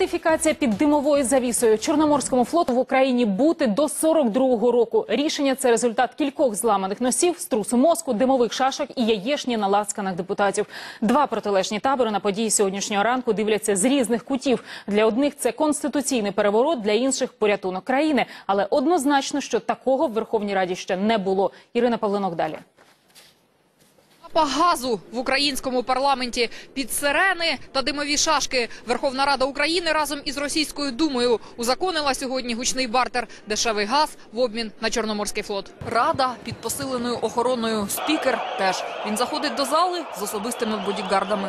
Ратифікація під димовою завісою. Чорноморському флоту в Україні бути до 42-го року. Рішення – це результат кількох зламаних носів, струсу мозку, димових шашок і яєшні на ласканах депутатів. Два протилежні табори на події сьогоднішнього ранку дивляться з різних кутів. Для одних це конституційний переворот, для інших – порятунок країни. Але однозначно, що такого в Верховній Раді ще не було. Ірина Павленок далі. Газу в українському парламенті під сирени та димові шашки. Верховна Рада України разом із Російською Думою узаконила сьогодні гучний бартер – дешевий газ в обмін на Чорноморський флот. Рада під посиленою охороною, спікер теж. Він заходить до зали з особистими бодігардами.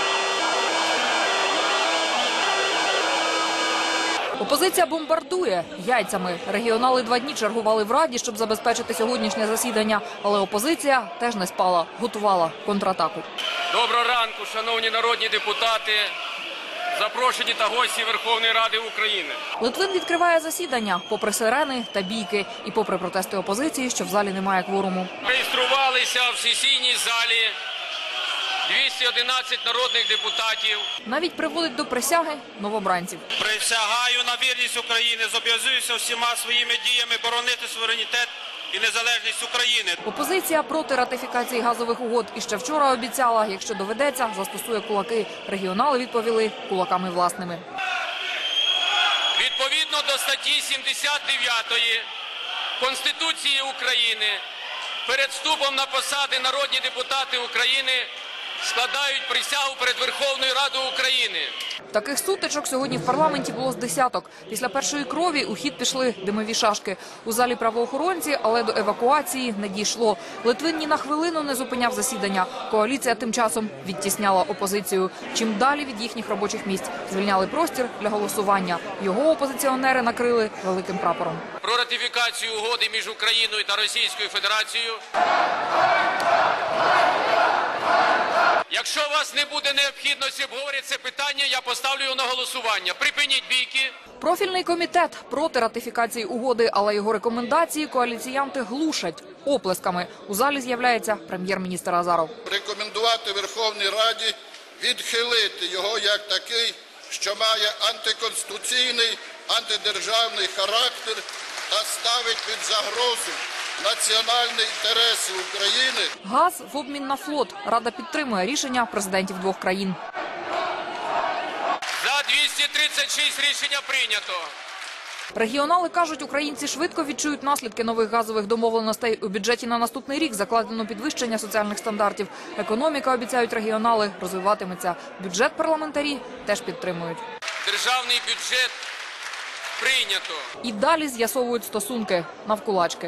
Опозиція бомбардує яйцями. Регіонали 2 дні чергували в Раді, щоб забезпечити сьогоднішнє засідання. Але опозиція теж не спала, готувала контратаку. Доброго ранку, шановні народні депутати, запрошені та гості Верховної Ради України. Литвин відкриває засідання, попри сирени та бійки. І попри протести опозиції, що в залі немає кворуму. Реєструвалися в сесійній залі 211 народних депутатів. Навіть приводить до присяги новобранців. Присягаю на вірність України, зобов'язуюся всіма своїми діями боронити суверенітет і незалежність України. Опозиція проти ратифікації газових угод. І ще вчора обіцяла, якщо доведеться, застосує кулаки. Регіонали відповіли кулаками власними. Відповідно до статті 79 Конституції України, перед вступом на посади народні депутати України складають присягу перед Верховною Радою України. Таких сутичок сьогодні в парламенті було з десяток. Після першої крові у хід пішли димові шашки. У залі правоохоронці, але до евакуації не дійшло. Литвин ні на хвилину не зупиняв засідання. Коаліція тим часом відтісняла опозицію. Чим далі від їхніх робочих місць. Звільняли простір для голосування. Його опозиціонери накрили великим прапором. Про ратифікацію угоди між Україною та Російською Федерацією. Якщо у вас не буде необхідності обговорити це питання, я поставлю його на голосування. Припиніть бійки. Профільний комітет проти ратифікації угоди, але його рекомендації коаліціянти глушать оплесками. У залі з'являється прем'єр-міністр Азаров. Рекомендувати Верховній Раді відхилити його як такий, що має антиконституційний, антидержавний характер та ставить під загрозу національні інтереси України. Газ в обмін на флот. Рада підтримує рішення президентів 2 країн. За 236 рішення прийнято. Регіонали кажуть, українці швидко відчують наслідки нових газових домовленостей. У бюджеті на наступний рік закладено підвищення соціальних стандартів. Економіка, обіцяють регіонали, розвиватиметься. Бюджет парламентарі теж підтримують. Державний бюджет прийнято. І далі з'ясовують стосунки навкулачки.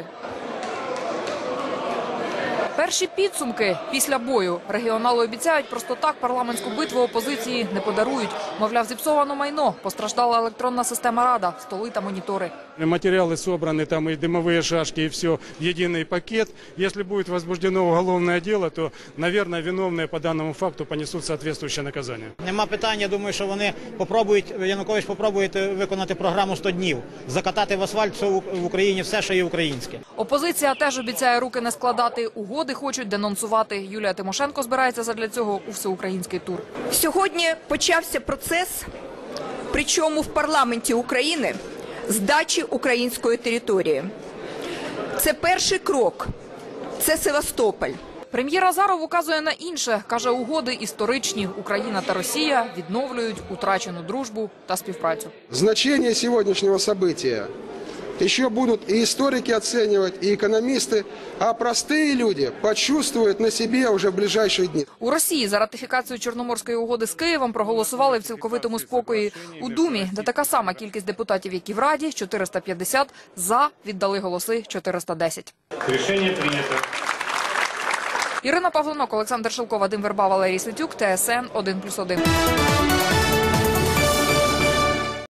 Перші підсумки після бою. Регіонали обіцяють, просто так парламентську битву опозиції не подарують. Мовляв, зіпсовано майно, постраждала електронна система Рада, столи та монітори. Материалы собраны, там и дымовые шашки, и все в единый пакет. Если будет возбуждено уголовное дело, то, наверное, виновные по данному факту понесут соответствующее наказание. Нема питань, я думаю, що вони Янукович попробує виконати програму 100 днів. Закатати в асфальт в Україні все, що є українське. Опозиція теж обіцяє руки не складати. Угоди хочуть денонсувати. Юлія Тимошенко збирається задля цього у всеукраїнський тур. Сьогодні почався процес, причому в парламенті України, здачі української території. Це перший крок. Це Севастополь. Прем'єр Азаров указує на інше. Каже, угоди історичні. Україна та Росія відновлюють утрачену дружбу та співпрацю. Значение сегодняшнего события еще будут и историки оценивать, и экономисты, а простые люди почувствуют на себе уже в ближайшие дни. У Росії за ратифікацію Чорноморської угоди з Києвом проголосували в цілковитому спокої. У Думі, де така сама кількість депутатів, як і в Раді, 450, за віддали голоси 410. Рішення прийнято. Ірина Павленок, Олександр Шилко, Вадим Верба, Валерій Ситюк, ТСН 1+1.